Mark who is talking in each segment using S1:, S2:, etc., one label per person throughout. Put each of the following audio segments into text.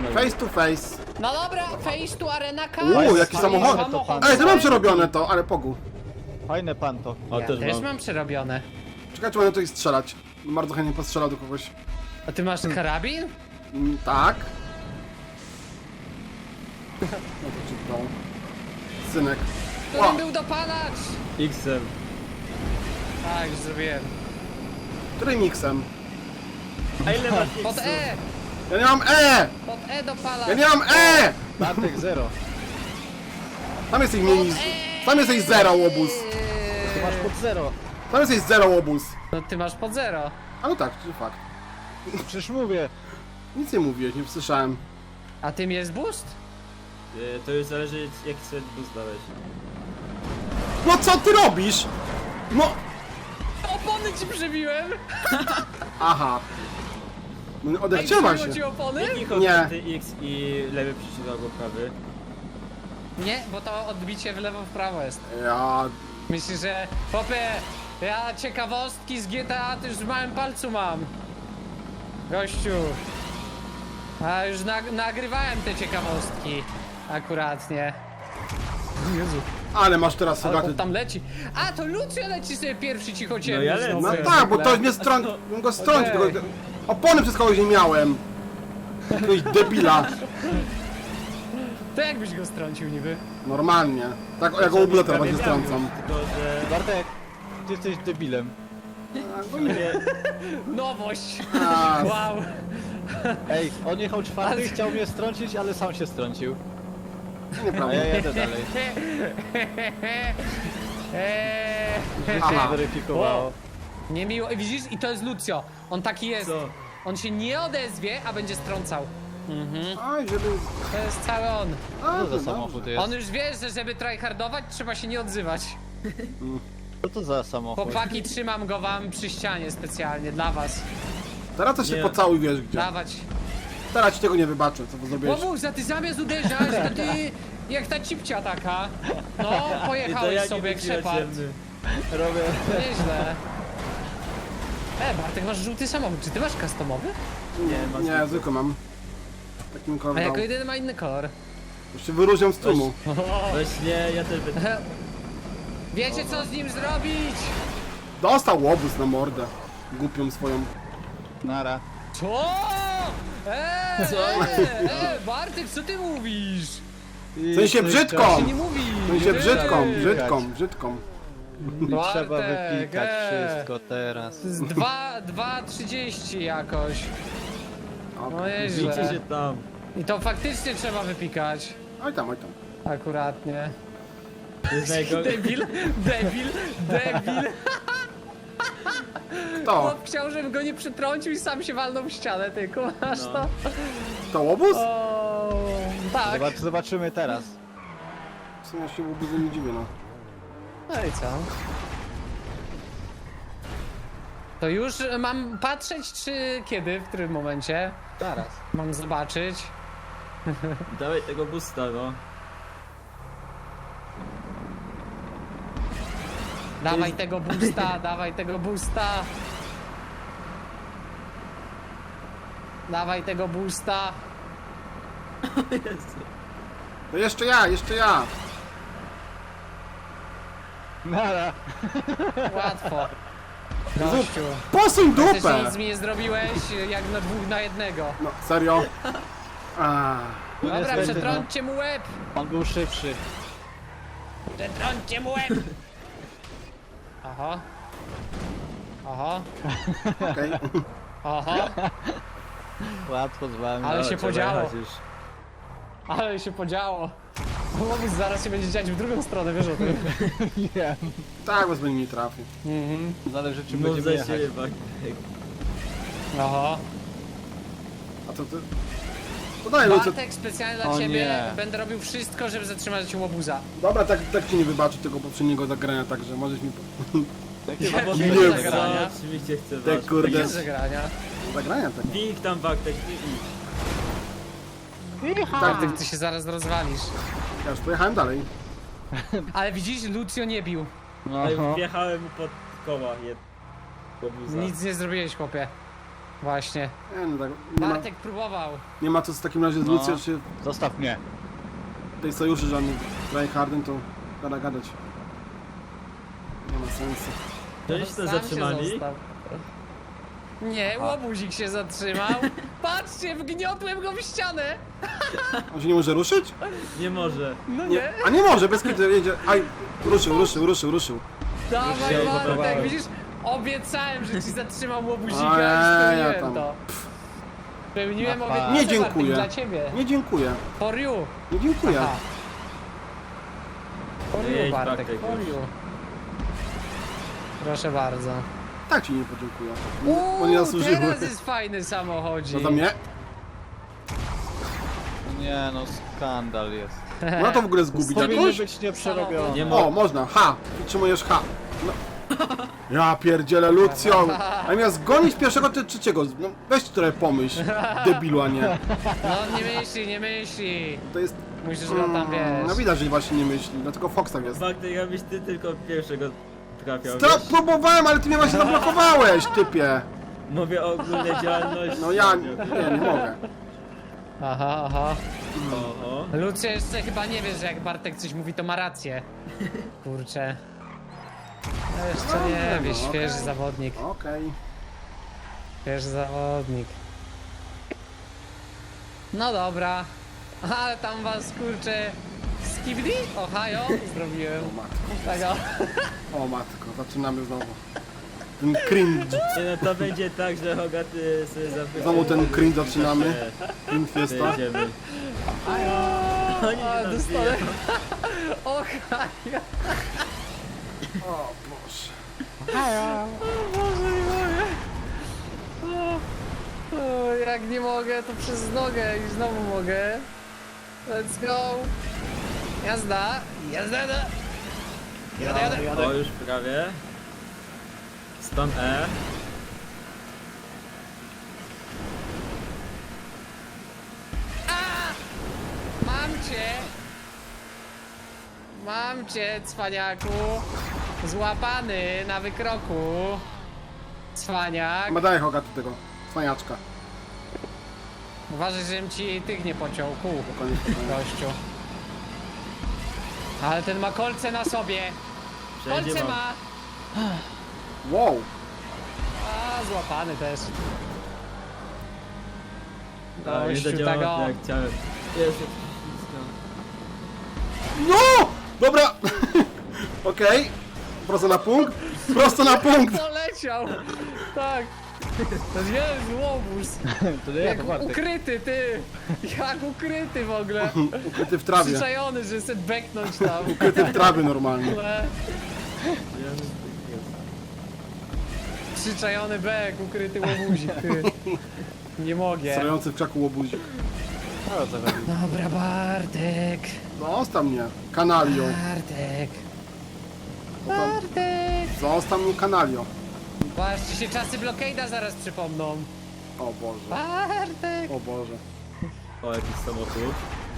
S1: Face to face.
S2: No dobra, face to arena car.
S1: Jaki samochód. Ej, to mam przerobione to, ale pogu.
S3: Fajne panto.
S4: O,
S2: Ja
S4: też
S2: też
S4: mam.
S2: mam przerobione.
S1: Czekaj, czy będę tutaj strzelać. Bardzo chętnie postrzelał do kogoś.
S2: A ty masz karabin?
S1: Tak. No to ci dał. Synek.
S2: Którym był dopalacz?
S4: X-em.
S2: Tak, już zrobiłem.
S1: Którym miksem?
S4: A ile masz
S2: Pod
S4: X-ów?
S2: E!
S1: Ja nie mam E!
S2: Pod E dopalacz!
S1: Ja nie mam E!
S3: Bartek zero.
S1: Tam jesteś mniej niż... Tam jesteś zero, łobuz.
S3: Ty masz pod zero.
S1: Tam jesteś zero, łobuz.
S2: No ty masz pod zero.
S1: A no tak, to fakt.
S3: Przecież mówię.
S1: Nic nie mówiłeś, nie słyszałem.
S2: A tym jest boost?
S4: To już zależy jaki sobie boost dałeś.
S1: No co ty robisz? No...
S2: Opony ci przybiłem!
S1: Aha. No
S2: Ej,
S1: odechciewa
S2: przybiło
S1: się.
S2: ci opony?
S4: Jaki
S1: Nie.
S4: chodzi X i lewy przycisk albo prawy?
S2: Nie, bo to odbicie w lewo w prawo jest.
S1: Ja...
S2: Myślisz, że... Popie, ja ciekawostki z GTA to już w małym palcu mam. Gościu. A już nagrywałem te ciekawostki. Akuratnie. Jezu,
S1: Ale masz teraz
S2: ale
S1: Hogaty.
S2: chłop tam leci. A, to Lucio leci sobie pierwszy cichociemny.
S4: No ja lecę.
S2: znowu
S1: No
S2: jak
S1: tak, bo
S2: zwykle.
S1: to mnie bym go strącił,
S2: Okej.
S1: tylko opony przez kogoś nie miałem. Jakiegoś debila.
S2: To jakbyś go strącił niby?
S1: Normalnie. Tak, ja go ublę teraz
S4: Prawie
S1: nie
S4: miał
S1: strącam.
S4: już, Tylko, że...
S3: Bartek, ty jesteś debilem.
S4: Nie,
S2: Nowość!
S1: A,
S2: Wow!
S3: Ej, on jechał czwarty,
S2: Ale-
S3: chciał mnie strącić, ale sam się strącił. A
S1: nieprawda.
S3: ja jadę dalej. Życie
S1: Aha.
S3: zweryfikowało.
S2: Niemiło. Widzisz? I to jest Lucio. On taki jest.
S4: co?
S2: On się nie odezwie, a będzie strącał.
S1: Oj, żeby...
S2: To jest cały on.
S1: A,
S3: Co za
S1: dobrze.
S3: samochód jest?
S2: On już wie, że żeby tryhardować, trzeba się nie odzywać.
S3: Co to za samochód?
S2: Chłopaki, trzymam go wam przy ścianie specjalnie dla was.
S1: Teraz to się
S4: Nie.
S1: pocałuj, wiesz gdzie.
S2: Dawać.
S1: Teraz ci tego nie wybaczę, co zrobiłeś.
S2: Łobuś, za ty zamiast uderzać, to ty jak ta cipcia taka. No,
S4: I to
S2: pojechałeś
S4: ja
S2: sobie jak
S4: nie
S2: Shepard.
S4: ciemny.
S3: Robię.
S2: Nieźle. Bartek, masz żółty samochód. Czy ty masz customowy?
S4: Nie,
S1: Nie, zwykle mam. Takim
S2: A
S1: kolorem.
S2: jako jedyny ma inny kolor.
S1: Już się wyróżniam z tłumu.
S4: Właśnie, ja też będę...
S2: Wiecie co z nim zrobić?
S1: Dostał łobuz na mordę. Głupią swoją.
S3: Nara.
S2: Co? Bartek, co ty mówisz?
S1: W sensie brzydko!
S2: Tak się nie mówi.
S1: W sensie brzydką,
S2: Ej.
S1: brzydką.
S3: Trzeba
S2: Bartek,
S3: wypikać wszystko teraz.
S2: To jest 2:30 jakoś. No
S4: Widzicie
S2: nieźle.
S4: się tam.
S2: I to faktycznie trzeba wypikać.
S1: Oj tam, oj tam.
S2: Akuratnie.
S4: To jest najgorsze.
S2: Debil.
S1: Kto?
S2: Chłop chciał, żebym go nie przytrącił i sam się walnął w ścianę, ty kumasz
S4: No.
S2: to?
S1: To łobuz?
S2: O, tak.
S3: Zobaczymy teraz.
S1: W sumie się łobuzu nie dziwię, no.
S2: No i co? To już mam patrzeć, czy kiedy, w którym momencie?
S3: Zaraz.
S2: Mam zobaczyć.
S4: Dawaj tego boosta, no.
S2: Dawaj tego boosta, dawaj tego boosta. Dawaj tego boosta.
S1: No jeszcze ja.
S2: Łatwo.
S1: Jezu,
S2: Gościu.
S1: Posuń
S2: Też
S1: dupę!
S2: nic mi nie zrobiłeś, jak na 2 na 1.
S1: No, serio? A,
S2: Dobra,
S3: niestety,
S2: przetrąćcie mu łeb!
S3: On był szybszy.
S2: Przetrąćcie mu łeb! Aha. Aha.
S1: okej.
S2: Aha.
S3: Łatwo z wami.
S2: Ale
S4: No,
S2: się
S4: trzeba
S2: podziało.
S4: jechać już.
S2: Ale się podziało. Łobuz zaraz się będzie dziać w drugą stronę, wiesz o tym.
S3: Wiem.
S1: Tak, bez mnie nie trafi.
S3: Zależy czy
S4: Mów
S3: będziemy
S4: za
S3: jechać.
S4: siebie, Bartek.
S2: Aha.
S1: A co ty? To daj, Lucy.
S2: Bartek, specjalnie dla
S3: O
S2: ciebie
S3: nie.
S2: będę robił wszystko, żeby zatrzymać łobuza.
S1: Dobra, tak ci nie wybaczę tego poprzedniego zagrania, także możesz mi...
S3: Jakie
S2: Nie,
S3: wody
S1: nie,
S3: do zagrania?
S4: Co? Oczywiście chcę
S1: Te
S4: was.
S1: kurde.
S2: Bez zagrania.
S1: Zagrania tak.
S4: Wik tam, Bartek, wik.
S2: Bartek, ty się zaraz rozwalisz.
S1: Ja już pojechałem dalej.
S2: Ale widzisz, Lucio nie bił.
S4: Ale
S3: Aha.
S4: wjechałem mu pod koła. Łobuza.
S2: Nic nie zrobiłeś, chłopie. Właśnie.
S1: Nie, no tak, nie ma,
S2: Bartek próbował.
S1: nie ma co w takim razie z
S3: No.
S1: Lucją się
S3: Zostaw mnie.
S1: tej sojuszy żadnych tryhardem, to gada gadać. Nie ma sensu.
S4: Żeś to
S2: Sam się
S4: zatrzymali?
S2: został. Nie, łobuzik się zatrzymał. Patrzcie, wgniotłem go w ścianę.
S1: On się nie może ruszyć?
S4: Nie może.
S2: No
S1: Nie.
S2: nie.
S1: A nie może, bez kiedy jedzie. Aj, ruszył.
S2: Dawaj,
S3: się
S2: Bartek,
S3: zblokowałem.
S2: widzisz? Obiecałem, że ci zatrzymam łobuzika
S1: A,
S2: i
S1: ja
S2: spełniłem
S1: tam.
S2: to. Spełniłem
S3: Na
S2: obietnicę,
S1: Nie
S2: Bartek,
S1: dziękuję.
S2: dla ciebie.
S1: Nie dziękuję.
S2: For you.
S1: Nie dziękuję.
S2: Aha. For you,
S4: Jedź,
S2: Bartek,
S4: Bartek,
S2: for
S4: już.
S2: you. Proszę bardzo.
S1: Tak ci nie podziękuję. Bo nie zasłużyły.
S2: teraz jest fajny samochodzik.
S1: No za mnie?
S3: Nie no, skandal jest.
S1: Można to w ogóle zgubić
S3: Powinny
S1: jakoś?
S3: być nieprzerobione.
S4: Nie ma.
S1: O, można. H. Przytrzymujesz H. No. Ja pierdzielę Lucją. A miał zgonić pierwszego czy trzeciego? No weź trochę pomyśl. Debilu, a nie.
S2: No nie myśli.
S1: To jest...
S2: Musisz go tam,
S1: No
S2: wiesz.
S1: widać, że właśnie nie myśli. Dlatego Fox tak jest.
S4: Bartek, abyś ty tylko pierwszego trafiał,
S1: Stop, próbowałem, ale ty mnie właśnie zablokowałeś, typie.
S4: Mówię o ogólnej działalności.
S1: No ja nie mogę.
S2: Aha.
S4: Oho.
S2: Lucja jeszcze chyba nie wie, że jak Bartek coś mówi, to ma rację. Kurczę. No jeszcze nie wie,
S1: no,
S2: świeży
S1: okej.
S2: zawodnik.
S1: Okej.
S2: Świeży zawodnik. No dobra. Ale tam was, kurczę, skibidi? Ohio? Zrobiłem.
S1: O matko.
S2: Tego.
S1: O matko, zaczynamy znowu. Ten cringe.
S4: Nie no, to będzie tak, że Hogaty sobie zapyta.
S1: Znowu ten cringe zaczynamy. Cringe fiesta.
S4: Jedziemy. Oni
S2: A,
S4: nas
S2: dostanę.
S4: biją.
S2: Ohio.
S1: O Boże.
S2: O Boże, nie mogę. O, jak nie mogę, to przez nogę i znowu mogę. Let's go. Jazda. Jadę.
S4: O, już prawie. Stąd E.
S2: Mam cię, cwaniaku. Złapany na wykroku. Cwaniak.
S1: Chyba daj Hoga do tego. Cwaniaczka.
S2: Uważaj, żebym ci tych nie pociął. Kół,
S1: Koniec.
S2: gościu. Ale ten ma kolce na sobie.
S4: Wszędzie
S2: Kolce
S4: mam.
S2: ma.
S1: Wow.
S2: A, złapany też.
S4: A, nie
S2: Gościu,
S4: zadziałało
S2: tego.
S4: tak jak chciałem. Jest.
S1: No! Dobra. Okej. Prosto na punkt. Prosto na punkt.
S2: Poleciał. Tak. To jest łobuz.
S3: To nie ja, to
S2: Jak
S3: Bartek.
S2: ukryty, ty. Jak ukryty w ogóle.
S1: Ukryty w trawie.
S2: Przyczajony, że chce beknąć tam.
S1: Ukryty w trawie normalnie.
S2: Ale przyczajony bek, ukryty łobuzik, ty. Nie mogę.
S1: Stojący w krzaku łobuzik.
S3: O, co chodzi?
S2: Dobra, Bartek.
S1: Zostaw mnie. Kanalio.
S2: Bartek.
S1: Potem-
S2: Bartek.
S1: Zostaw mnie kanalio.
S2: Patrzcie się, czasy blokade'a zaraz przypomną.
S1: O Boże.
S2: Bartek.
S1: O Boże.
S4: O, jakiś samochód.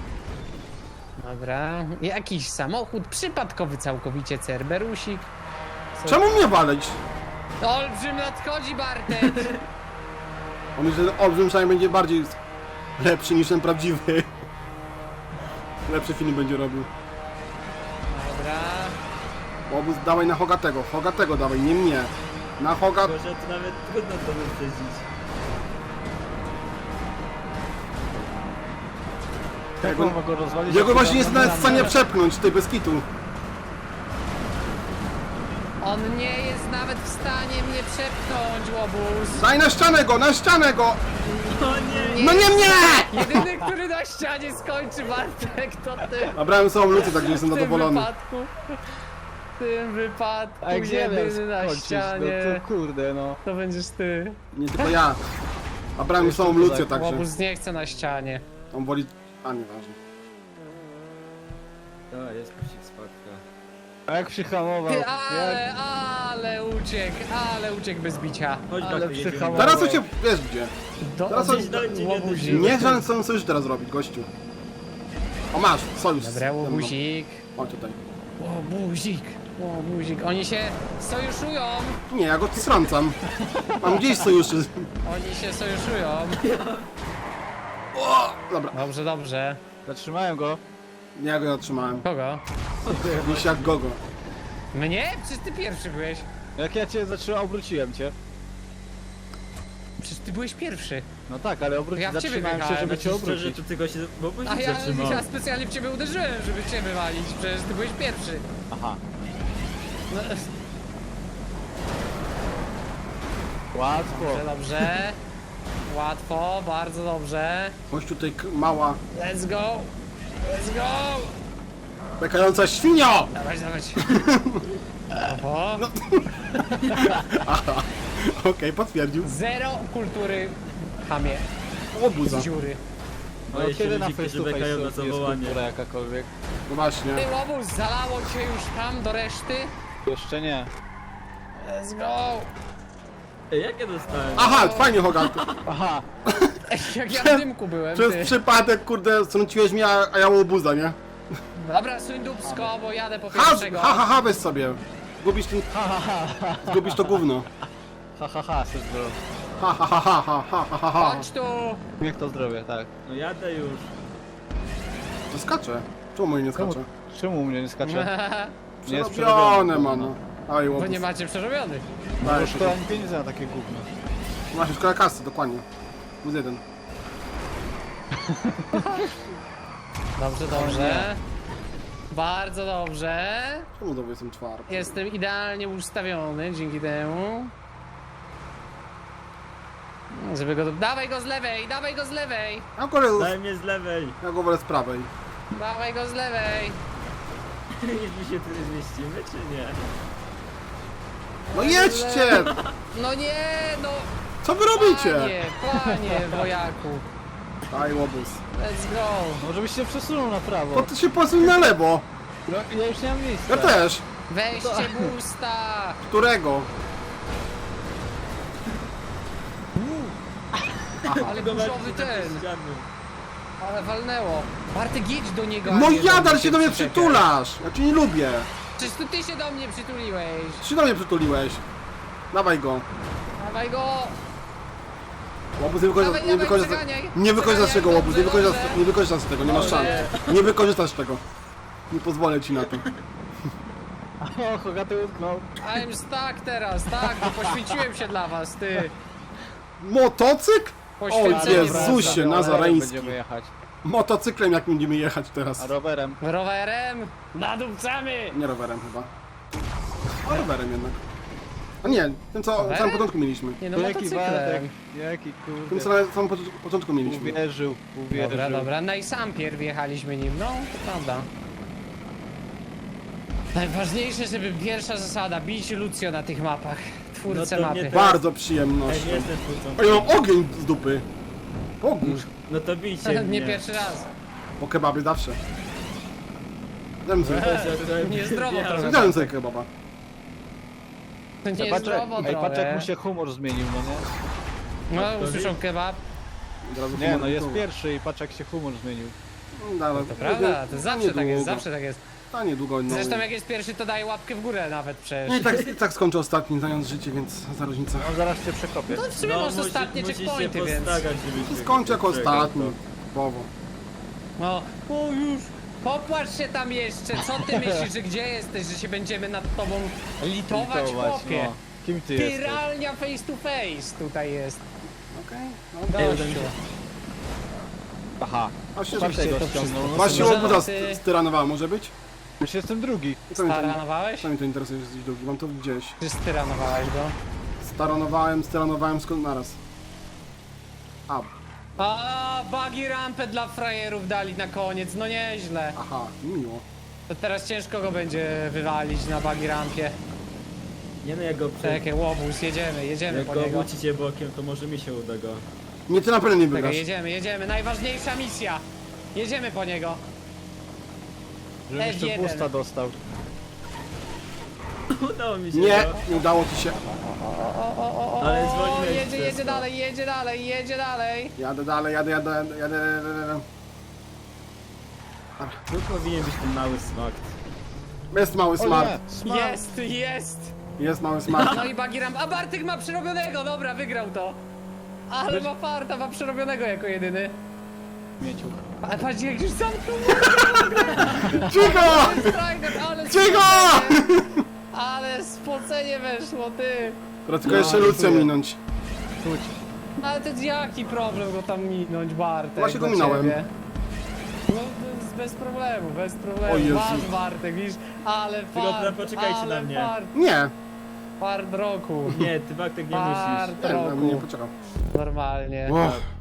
S2: Dobra. Jakiś samochód przypadkowy całkowicie, Cerberusik.
S1: Czemu mnie walić?
S2: Olbrzym nadchodzi, Bartek.
S1: On myśli, że olbrzym przynajmniej będzie bardziej lepszy niż ten prawdziwy. Lepszy film będzie robił.
S2: Dobra.
S1: Obóz dawaj na Hogatego. Hogatego dawaj, nie mnie. Na Hoga...
S4: Tylko, że to nawet trudno to wyprzedzić.
S3: Jak on ma go rozwalić?
S1: Jego
S3: jak
S1: właśnie nie
S3: się
S1: jest
S3: tam
S1: nawet w stanie przepchnąć tej bez kitu.
S2: On nie jest nawet w stanie mnie przepchnąć, łobuz.
S1: Daj na ścianę go, na ścianę go!
S4: O nie!
S1: No nie mnie!
S2: Jedyny, który na ścianie skończy, Bartek, to ty.
S1: A brałem samą lucę, także jestem
S2: W tym
S1: zadowolony.
S2: wypadku. W tym wypadku
S3: A jak
S2: jedyny na
S3: skończyć,
S2: ścianie.
S3: no to kurde no.
S2: To będziesz ty.
S1: Nie tylko ja. A brałem
S3: Jeszcze
S1: samą
S3: to
S1: lucę,
S3: tak.
S1: także
S2: Łobuz nie chce na ścianie.
S1: on woli... A, nieważne.
S4: O, jest pościg spadka.
S3: A jak przyhamował?
S2: Ty, ale uciekł bez bicia.
S4: Chodź,
S3: Ale
S4: Bartek, jedziemy.
S3: przyhamował.
S1: Teraz to się... wiesz gdzie. Teraz on-
S2: Łobuzik.
S1: Nie żaden co sojusz teraz robić, gościu. O masz, sojusz.
S2: Dobra, łobuzik.
S1: O tutaj.
S2: Łobuzik. O, buzik. Oni się sojuszują!
S1: Nie, ja go strącam. Mam gdzieś sojuszy.
S2: Oni się sojuszują.
S1: O, dobra,
S2: Dobrze, dobrze.
S3: Zatrzymałem go.
S1: ja go zatrzymałem.
S2: Kogo?
S1: Gdzieś jak gogo.
S2: Mnie? Przecież ty pierwszy byłeś.
S3: Jak ja cię zatrzymałem, obróciłem cię.
S2: Przecież ty byłeś pierwszy.
S3: No tak, ale
S2: Ja w ciebie
S3: zatrzymałem się,
S2: wjechałem,
S3: żeby cię
S4: Szczerze,
S3: obrócić.
S4: to tylko się... Bo
S2: A
S4: się
S2: ja
S4: zatrzymał.
S2: specjalnie w ciebie uderzyłem, żeby cię wywalić. Przecież ty byłeś pierwszy.
S3: Aha.
S2: No,
S3: Łatwo.
S2: dobrze, dobrze. Łatwo, bardzo dobrze.
S1: Chodź tutaj mała,
S2: Let's go! Let's go!
S1: bekająca świnio!
S2: Dawać, dawać. Oho.
S1: Okej, potwierdził.
S2: Zero kultury chamie.
S1: Łobuza.
S2: Dziury.
S3: No
S4: Boję się
S3: kiedy na
S4: ludzi,
S3: face
S4: którzy
S3: to
S4: bekają na
S3: face jest
S4: zawołanie.
S3: kultura jakakolwiek?
S1: No właśnie.
S2: Ty łobuz, zalało cię już tam do reszty?
S3: Jeszcze nie.
S2: Let's go!
S4: Ej, jak ja dostałem?
S1: Aha, fajnie Hogarth.
S3: Aha.
S2: Jak ja w dymku byłem,
S1: Przez
S2: ty.
S1: przypadek, kurde, strąciłeś mnie, a ja łobuza, nie?
S2: Dobra, suń dupsko, bo jadę po
S1: Ha,
S2: pierwszego.
S1: ha, ha, ha, weź sobie. Zgubisz ten... Zgubisz to gówno.
S3: Ha ha ha, sestro.
S1: Ha, ha, ha, ha, ha, ha, ha, ha.
S2: Chodź tu!
S3: Niech to zdrowie, tak.
S4: No jadę już.
S1: To skacze. Czemu mój nie skacze?
S3: Czemu mnie nie skacze? Nie jest
S1: Przerobione, mano. Aj,
S2: Bo
S1: łobuz.
S2: nie macie przerobionych.
S3: No
S1: Daj,
S3: bo szkoda mi pieniędzy na takie gówno.
S1: Właśnie, szkoda kasy, dokładnie. Plus jeden.
S2: Dobrze, dobrze. Bardzo dobrze.
S1: Czemu znowu jestem czwarty?
S2: Jestem idealnie ustawiony dzięki temu. Żeby go... Dawaj go z lewej, dawaj go z lewej!
S4: Daj mnie z lewej.
S1: Ja go wolę z prawej.
S2: Dawaj go z lewej!
S4: Jeśli się tu zmieścimy, czy nie?
S1: No jedźcie!
S2: No nie, no!
S1: Co wy robicie?
S2: Panie, wojaku.
S1: Aj, łobuz.
S2: Let's go.
S3: Może byś się przesunął na prawo.
S1: Bo ty się posuń na lewo.
S3: No, ja już nie mam miejsca.
S1: Ja też.
S2: Weźcie boosta!
S1: Którego?
S2: Ale
S4: Go
S2: burzowy
S4: walczyć
S2: ten!
S4: na ściany.
S2: Ale walnęło. Bartek, jedź do niego. a
S1: No
S2: nie
S1: jadal się do mnie
S2: przyczepiaj.
S1: przytulasz! Ja cię nie lubię.
S2: Przecież to ty się do mnie przytuliłeś.
S1: Ty się do mnie przytuliłeś. Dawaj go.
S2: Dawaj go!
S1: Łobuz nie wykorzysta,
S2: Dawaj,
S1: nie
S2: dawaj,
S1: wykorzysta,
S2: przeganiaj.
S1: nie wykorzystasz
S2: Przeganiaj,
S1: tego, łobuz, nie
S2: dobrze,
S1: wykorzystasz,
S2: dobrze.
S1: nie wykorzystasz tego, nie masz szans. Nie wykorzystasz tego. Nie pozwolę ci na to.
S3: O, Hogaty utknął.
S2: I'm stuck teraz, tak, bo poświęciłem się dla was, ty.
S1: Motocykl? O
S2: Poświęcenie
S1: Jezusie,
S2: było.
S1: nazareński.
S3: Będziemy jechać.
S1: Motocyklem jak będziemy jechać
S3: A
S1: teraz.
S3: rowerem.
S2: Rowerem nadupcamy!
S1: Nie rowerem chyba. A rowerem jednak. A nie, tym co na
S2: Rowerem?
S1: samym początku mieliśmy.
S2: Nie no,
S3: Jaki
S2: motocyklem.
S3: Bartek, jaki
S1: Tym
S3: kurde.
S1: co na samym początku mieliśmy.
S3: Uwierzył, uwierzył.
S2: Dobra, dobra, no i sam pierw jechaliśmy nim, no, to prawda. Najważniejsze, żeby pierwsza zasada, bić Lucio na tych mapach. Twórcę
S4: No to mnie
S2: mapy.
S4: też.
S1: Bardzo
S4: Ej,
S1: przyjemnością.
S4: nie jestem twórcą.
S1: O, ja mam ogień z dupy. Bogórz.
S4: No to bijcie mnie.
S2: Nie pierwszy raz.
S1: Po kebabie zawsze. Dałem sobie,
S2: Niezdrowo trochę.
S1: dałem sobie kebaba.
S2: To nie jest
S3: Patrz,
S2: zdrowo
S3: ej, patrz jak
S2: trochę.
S3: mu się humor zmienił, no nie?
S2: No, usłyszą kebab.
S1: Od razu
S3: Nie, no
S1: humor
S3: jest
S1: był.
S3: pierwszy i patrz jak się humor zmienił.
S1: Dobra,
S2: To prawda, to zawsze tak jest, zawsze tak jest.
S1: A niedługo, no.
S2: Zresztą jak jest pierwszy, to daje łapkę w górę nawet
S1: No
S2: przecież.
S1: i tak skończę ostatni, znając życie, więc za różnica.
S3: No zaraz cię przekopię.
S2: No w sumie masz ostatnie
S4: musisz
S2: checkpointy,
S4: się
S2: więc...
S4: postarać, żeby się
S1: Skończę jako
S4: przegał,
S1: ostatni.
S4: to.
S1: Bowo.
S2: No, o już, popłacz się tam jeszcze, co ty myślisz, że gdzie jesteś, że się będziemy nad tobą litować, chłopie?
S3: no. Kim ty jesteś?
S2: Piralnia face to face tutaj jest.
S1: Okej.
S4: Ej, uda mi
S2: Gościu.
S4: się.
S3: Aha.
S1: A się
S3: Patrz tego
S2: to
S3: ściągnął. No
S1: Właśnie
S2: Może
S1: łobuza
S2: ty-
S1: styranowała, może być?
S3: Już jestem drugi.
S1: Co mnie to,
S2: Staranowałeś?
S1: co mnie to interesuje, że jesteś drugi? Mam to gdzieś.
S2: Czy styranowałeś go?
S1: Staranowałem, skąd naraz. A,
S2: A, buggy rampę dla frajerów dali na koniec, no nieźle.
S1: aha, miło.
S2: To teraz ciężko go będzie wywalić na buggy rampie.
S4: Nie no, jak go
S2: Czekaj, łobuz, jedziemy
S4: Jak
S2: po
S4: go
S2: niego.
S4: obrócicie bokiem, to może mi się uda go.
S1: Nie, ty na pewno nie wygrasz.
S2: Czekaj, jedziemy, najważniejsza misja. Jedziemy po niego.
S3: Żebym jeszcze
S2: F1.
S3: boosta dostał.
S4: Udało mi się.
S1: Nie,
S4: no.
S1: nie udało ci się.
S4: Ale zwolniłeś
S2: jedzie
S4: przez to.
S2: dalej, jedzie dalej.
S1: Jadę dalej, jadę.
S4: Tu powinien być ten mały smakt.
S1: Jest mały
S3: O
S1: smart.
S3: nie, smart.
S2: Jest!
S1: Jest mały smart.
S2: No i Bagiram, a Bartek ma przerobionego, dobra, wygrał to. Ale ma farta, ma przerobionego jako jedyny.
S3: Mieciu.
S2: A patrz jak już zamknął.
S1: Cicho!
S2: Ale
S1: Cicho!
S2: spocenie, ale spocenie weszło, ty.
S1: Teraz tylko jeszcze Lucję minąć.
S3: Czuć.
S2: Ale to jaki problem go tam minąć, Bartek?
S1: Właśnie go
S2: dla
S1: minąłem.
S2: ciebie? No to jest bez problemu, bez problemu.
S1: O Jezu.
S2: Masz Bartek, widzisz? Ale
S4: Tylko
S2: fart,
S4: poczekajcie
S2: ale
S4: na mnie.
S2: Fart,
S1: Nie,
S2: fart roku.
S4: Nie, ty Bartek nie musisz.
S2: Fart
S1: nie, na mnie nie
S2: roku.
S1: poczekał.
S2: Normalnie.
S1: Uff.